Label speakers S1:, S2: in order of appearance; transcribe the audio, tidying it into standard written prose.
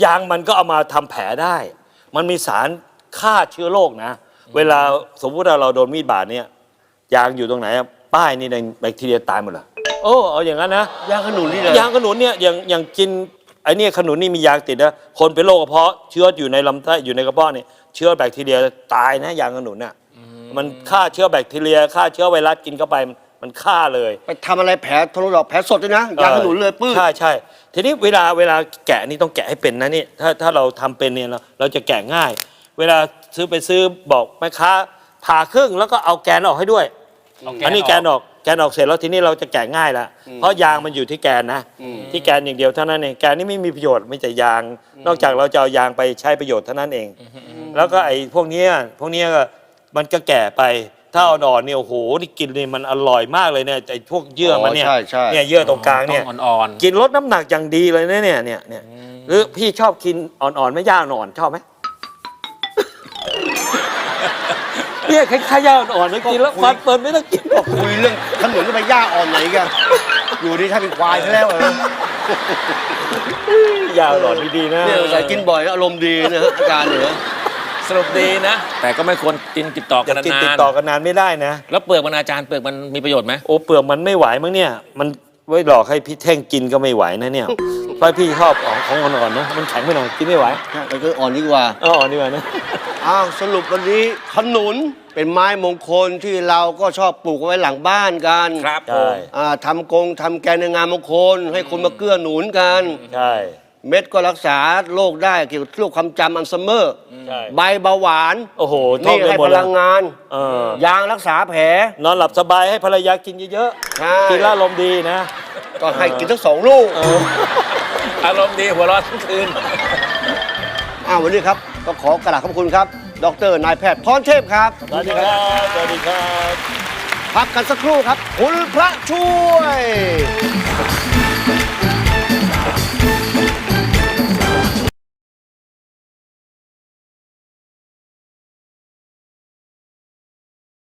S1: ยางมันก็เอามาทำแผลได้ มันมีสารฆ่าเชื้อโรคนะเวลาสมมติเราโดนมีดบาดเนี่ยยางอยู่ตรงไหนป้ายนี่ในแบคทีเรียตายหมดเลยโอ้เอาอย่างนั้นนะ
S2: ยางขนุนนี่เลย
S1: ยางขนุนเนี่ยอย่างกินไอ้นี่ขนุนนี่มียางติดนะคนเป็นโรคกระเพาะเชื้ออยู่ในลำไส้อยู่ในกระเพาะเนี่ยเชื้อแบคทีเรียตายนะยางขนุนน่ะมันฆ่าเชื้อแบคทีเรียฆ่าเชื้อไวรัสกินเข้าไปมันฆ่าเลย
S2: ไปทำอะไรแผลทะลุดอกแผลสดด้วยนะยางขนุนเลยปื้ด
S1: ใช่ทีนี้เวลาแกะนี่ต้องแกะให้เป็นนะนี่ถ้าเราทำเป็นเนี่ยเราจะแกะง่าย เวลาซื้อบอกแม่ค้าผ่าครึ่งแล้วก็เอาแกนออกให้ด้วยอันนี้แกนออกเสร็จแล้วทีนี้เราจะแกะง่ายละเพราะยางมันอยู่ที่แกนนะที่แกนอย่างเดียวเท่านั้นเองแกนนี่ไม่มีประโยชน์ไม่แต่ยางนอกจากเราจะเอายางไปใช้ประโยชน์เท่านั้นเองแล้วก็ไอ้พวกนี้ก็มันก็แก่ไปถ้าอ่อนๆเนี่ยโอ้โหนี่กินนี่มันอร่อยมากเลยเนี่ยไอ้พวกเยื่อมันเนี่ยเยื่อตรงกลางเนี่ย
S3: อ่อน
S1: กินลดน้ำหนักอย่างดีเลยนะเนี่ยหรือพี่ชอบกินอ่อนๆไม่ย่างอ่อนชอบไหมเนี่ยคล้ายๆย่าอ่อนๆกินแล้วฟันเปิดไม่ต้องกิน
S2: คุยเรื่องขนุนก็ไปย่าอ่อนไหนกันอยู่ดีถ้าเป็นควายซะแล้ว
S1: ย่าอ่อนดีๆนะ
S2: เนี่ยใส่กินบ่อยอารมณ์ดีนะอาการเหนือ
S3: สรุปดีนะแต่ก็ไม่ควรกินติดต่อกันนาน
S1: ติดต่อกันนานไม่ได้นะ
S3: แล้วเปลือกมันอาจารย์เปลือกมันมีประโยชน์ไหม
S1: โอ้เปลือกมันไม่ไหวมั้งเนี่ยมันไว้หลอกให้พี่แท่งกินก็ไม่ไหวนะเนี่ยเพราะพี่ชอบของอ่อนๆนะมันแข็งไปหน่อยกินไม่ไหว
S2: ไปก็อ่อนดีกว่า
S1: อ่อนดีกว่านะ
S2: สรุปวันนี้ขนุนเป็นไม้มงคลที่เราก็ชอบปลูกไว้หลังบ้านกัน
S3: ครับ
S2: ทำแกนในงานมงคลให้คนมาเกื้อหนุนกัน
S1: ใช่
S2: เม็ดก็รักษาโรคได้เกี่ยวกับโรคความจำอัลไซเมอร์ใบเบาหวาน
S1: โอ้โห
S2: นี่ให้พลังงานยางรักษาแผล
S1: นอนหลับสบายให้ภรรยากินเยอะๆกินแล้วอารมณ์ดีนะ
S2: ก็ให้กินทั้ง2 ลูก
S3: อารมณ์ดีหัวเราะทั้งคืน
S2: วันนี้ครับก็ขอกราบขอบคุณครับดร.นายแพทย์พรเทพครับ
S1: สวัสดีครับ
S2: พักกันสักครู่ครับคุณพระช่วย